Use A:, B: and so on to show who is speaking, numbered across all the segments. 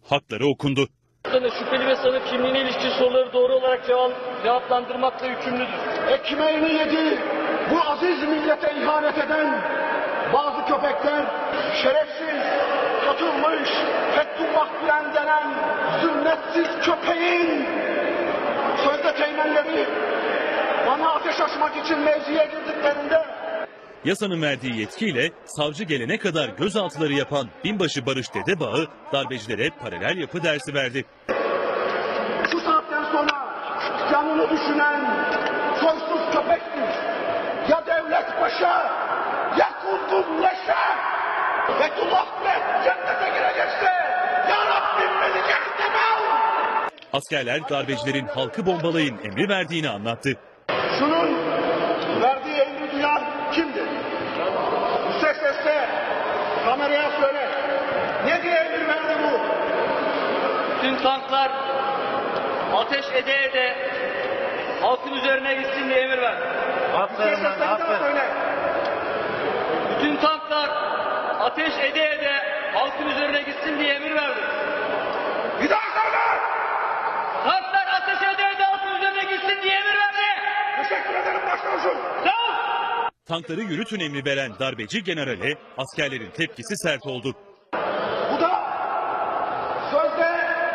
A: hakları okundu.
B: Şüpheli ve sanık kimliğine ilişkin soruları doğru olarak cevaplandırmakla yükümlüdür.
C: Ekmeğini yedi, bu aziz millete ihanet eden bazı köpekler, şerefsiz, katılmış, Fethullah Gülen denen zümretsiz köpeğin sözde teğmenleri bana ateş açmak için mevziye girdiklerinde
A: Yasanın verdiği yetkiyle savcı gelene kadar gözaltıları yapan binbaşı Barış Dedebağ'ı darbecilere paralel yapı dersi verdi.
C: şu saatten sonra canını düşünen soysuz köpektir. Ya devlet paşa, ya kunduz leşe. Fethullah Gülen cennete girecekse ya Rabbim beni cehenneme al.
A: Askerler darbecilerin halkı bombalayın emri verdiğini anlattı.
C: Şunun verdiği emri duyan kimdir? Yüksek sesle kameraya söyle. Ne diye emir verdi bu?
B: Tüm tanklar ateş ede ede halkın üzerine gitsin diye emir verdi.
C: Yüksek sesle bir daha söyle.
B: Bütün tanklar ateş ede ede halkın üzerine gitsin diye emir verdi.
C: Bir daha söyle.
B: Tanklar ateş ede ede halkın üzerine gitsin diye emir verdi.
C: Teşekkür ederim başkanım.
B: Sağ ol.
A: Tankları yürütün emri veren darbeci generale askerlerin tepkisi sert oldu.
C: Bu da sözde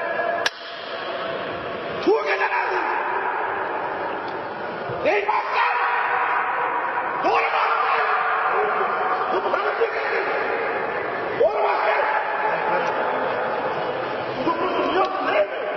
C: Tuğgeneler. Değil mi asker? Doğru mu asker? Komutanım Tuğgeneler. Doğru mu asker? Tutuklusunuz yok değil mi?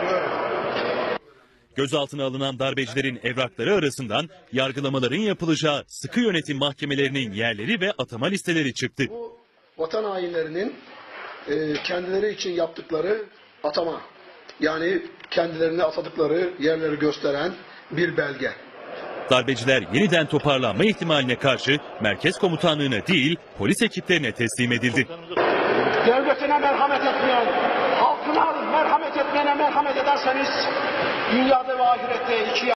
A: Gözaltına alınan darbecilerin evrakları arasından yargılamaların yapılacağı sıkı yönetim mahkemelerinin yerleri ve atama listeleri çıktı.
C: Bu vatan hainlerinin kendileri için yaptıkları atama, yani kendilerini atadıkları yerleri gösteren bir belge.
A: Darbeciler yeniden toparlanma ihtimaline karşı merkez komutanlığına değil polis ekiplerine teslim edildi.
C: Devletine merhamet etmeyen, halkına merhamet etmeyene merhamet ederseniz dünyada ve ahirette ikiye